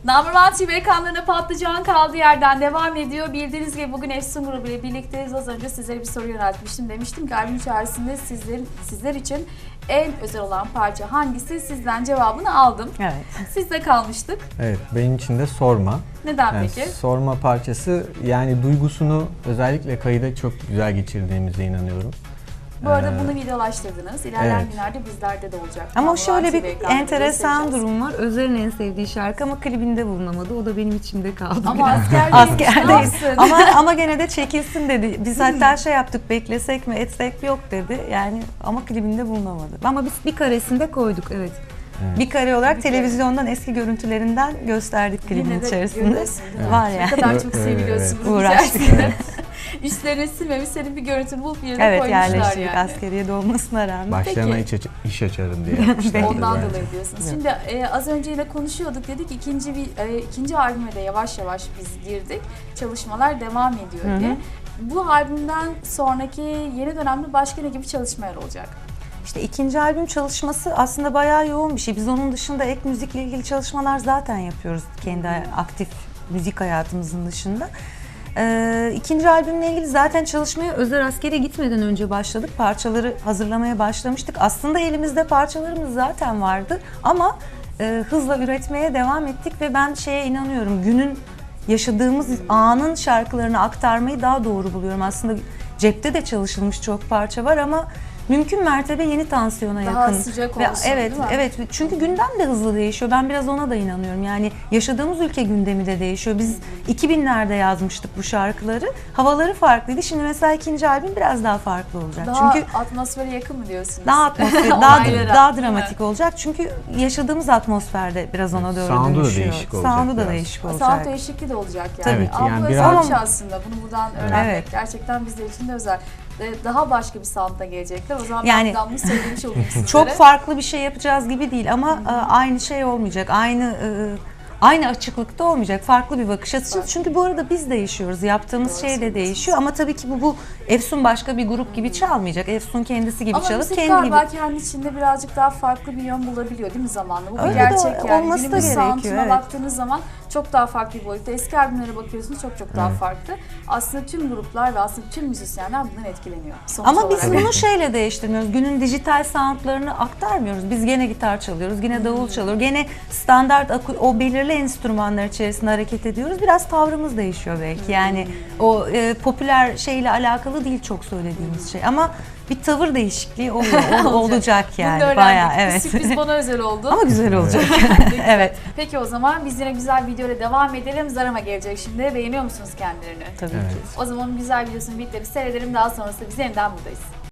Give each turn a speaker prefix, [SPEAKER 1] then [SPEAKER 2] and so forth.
[SPEAKER 1] Number TV ekranlarına patlıcan kaldığı yerden devam ediyor. Bildiğiniz gibi bugün Efsun grubu ile birlikteyiz. Az önce sizlere bir soru yöneltmiştim. Demiştim ki albüm içerisinde sizler için en özel olan parça hangisi? Sizden cevabını aldım.
[SPEAKER 2] Evet.
[SPEAKER 1] Sizde kalmıştık.
[SPEAKER 3] Evet, benim için de Sorma.
[SPEAKER 1] Neden
[SPEAKER 3] Yani
[SPEAKER 1] peki?
[SPEAKER 3] Sorma parçası, yani duygusunu özellikle kayıda çok güzel geçirdiğimize inanıyorum.
[SPEAKER 1] Bu arada bunu videolaştırdınız. İlerleyen
[SPEAKER 3] evet.
[SPEAKER 1] günlerde bizlerde de olacak.
[SPEAKER 2] Ama şöyle
[SPEAKER 1] TV
[SPEAKER 2] bir
[SPEAKER 1] ekranlarında
[SPEAKER 2] enteresan
[SPEAKER 1] göstereceğiz.
[SPEAKER 2] durum var. Özer'in en sevdiği şarkı ama klibinde bulunamadı. O da benim içimde kaldı.
[SPEAKER 1] Ama
[SPEAKER 2] biraz.
[SPEAKER 1] askerdeyiz.
[SPEAKER 2] ama gene de çekilsin dedi. Biz hatta şey yaptık, beklesek mi etsek mi, yok dedi. Yani ama klibinde bulunamadı. Ama biz bir karesinde koyduk, evet. Bir kare olarak
[SPEAKER 1] Bir kare.
[SPEAKER 2] televizyondan eski görüntülerinden gösterdik klibin
[SPEAKER 1] Yine de
[SPEAKER 2] içerisinde.
[SPEAKER 1] görüyorsun, değil mi?
[SPEAKER 2] Var
[SPEAKER 1] Ne
[SPEAKER 2] yani.
[SPEAKER 1] kadar çok seviliyorsun bunun
[SPEAKER 2] Uğraştık.
[SPEAKER 1] içerisinde. Üstlerine silmemiş, senin bir görüntünü bulup yerine
[SPEAKER 2] Evet,
[SPEAKER 1] koymuşlar
[SPEAKER 2] yerleştirdik
[SPEAKER 1] yani.
[SPEAKER 2] askeriyede olmasına rağmen.
[SPEAKER 3] Başlarına iş açarım diye yapmışlar.
[SPEAKER 1] Ondan
[SPEAKER 3] bence.
[SPEAKER 1] dolayı diyorsunuz. Şimdi az önce yine konuşuyorduk, dedik ikinci albüme de yavaş yavaş biz girdik. Çalışmalar devam ediyor diye. Bu albümden sonraki yeni dönemde başka ne gibi çalışmalar olacak?
[SPEAKER 2] İşte ikinci albüm çalışması aslında bayağı yoğun bir şey. Biz onun dışında ek müzikle ilgili çalışmalar zaten yapıyoruz kendi aktif müzik hayatımızın dışında. İkinci albümle ilgili zaten çalışmaya Özer askere gitmeden önce başladık. Parçaları hazırlamaya başlamıştık. Aslında elimizde parçalarımız zaten vardı ama hızla üretmeye devam ettik ve ben şeye inanıyorum. Günün yaşadığımız anın şarkılarını aktarmayı daha doğru buluyorum. Aslında cepte de çalışılmış çok parça var ama mümkün mertebe yeni tansiyona
[SPEAKER 1] Daha
[SPEAKER 2] yakın.
[SPEAKER 1] sıcak
[SPEAKER 2] Ve
[SPEAKER 1] olsun,
[SPEAKER 2] evet,
[SPEAKER 1] değil mi?
[SPEAKER 2] evet. Çünkü gündem de hızlı değişiyor. Ben biraz ona da inanıyorum. Yani yaşadığımız ülke gündemi de değişiyor. Biz 2000'lerde yazmıştık bu şarkıları. Havaları farklıydı. Şimdi mesela ikinci albüm biraz daha farklı olacak.
[SPEAKER 1] Daha
[SPEAKER 2] Çünkü
[SPEAKER 1] atmosfere yakın mı diyorsunuz?
[SPEAKER 2] daha atmosfer,
[SPEAKER 1] Olaylara,
[SPEAKER 2] daha
[SPEAKER 1] değil mi?
[SPEAKER 2] dramatik olacak. Çünkü yaşadığımız atmosferde biraz ona doğru
[SPEAKER 3] Sound'u da
[SPEAKER 2] dönüşüyor.
[SPEAKER 3] değişik olacak
[SPEAKER 2] Sound'u da
[SPEAKER 3] biraz.
[SPEAKER 2] değişik olacak.
[SPEAKER 1] Sound değişikliği de olacak yani.
[SPEAKER 2] Tabii
[SPEAKER 3] ki,
[SPEAKER 1] Ama
[SPEAKER 3] yani
[SPEAKER 1] bu
[SPEAKER 3] biraz-
[SPEAKER 1] özel bir şey aslında. Bunu buradan öğrenmek
[SPEAKER 2] Evet.
[SPEAKER 1] gerçekten bizler için de özel. Daha başka bir soundla gelecekler. O zaman
[SPEAKER 2] Yani-
[SPEAKER 1] ben bunu söylemiş olayım sizlere.
[SPEAKER 2] Çok farklı bir şey yapacağız gibi değil ama aynı şey olmayacak. Aynı açıklıkta olmayacak. Farklı bir bakış açısı. Çünkü bu arada biz değişiyoruz. Yaptığımız
[SPEAKER 1] Doğru
[SPEAKER 2] şey de
[SPEAKER 1] söylüyorsunuz.
[SPEAKER 2] değişiyor ama tabii ki bu Efsun başka bir grup gibi çalmayacak. Efsun kendisi gibi
[SPEAKER 1] Ama
[SPEAKER 2] çalıp
[SPEAKER 1] müzik
[SPEAKER 2] kendi
[SPEAKER 1] galiba
[SPEAKER 2] gibi.
[SPEAKER 1] kendi içinde birazcık daha farklı bir yön bulabiliyor değil mi zamanla? Bu bir
[SPEAKER 2] Öyle de
[SPEAKER 1] gerçek yani.
[SPEAKER 2] olması da
[SPEAKER 1] Günümüz
[SPEAKER 2] gerekiyor,
[SPEAKER 1] sound'una
[SPEAKER 2] evet.
[SPEAKER 1] baktığınız zaman çok daha farklı bir boyutta. Eski albümlere bakıyorsunuz çok daha farklı. Aslında tüm gruplar ve aslında tüm müzisyenler bundan etkileniyor. Sonuç
[SPEAKER 2] Ama biz
[SPEAKER 1] olarak.
[SPEAKER 2] bunu şeyle değiştirmiyoruz. Günün dijital soundlarını aktarmıyoruz. Biz gene gitar çalıyoruz, gene davul çalıyoruz. Gene standart o belirli enstrümanlar içerisinde hareket ediyoruz. Biraz tavrımız değişiyor belki. Yani o popüler şeyle alakalı değil çok söylediğimiz şey. Ama bir tavır değişikliği olacak
[SPEAKER 1] Bunu
[SPEAKER 2] yani.
[SPEAKER 1] da öğrendik.
[SPEAKER 2] Bayağı
[SPEAKER 1] Bu
[SPEAKER 2] evet.
[SPEAKER 1] sürpriz bana özel oldu.
[SPEAKER 2] Ama güzel olacak. Evet.
[SPEAKER 1] Peki o zaman biz yine güzel videoyla devam edelim. Zarama gelecek şimdi. Beğeniyor musunuz kendilerini?
[SPEAKER 2] Tabii
[SPEAKER 3] Evet.
[SPEAKER 2] ki.
[SPEAKER 1] O zaman güzel videosunu birlikte bir seyredelim. Daha sonrasında biz yeniden buradayız.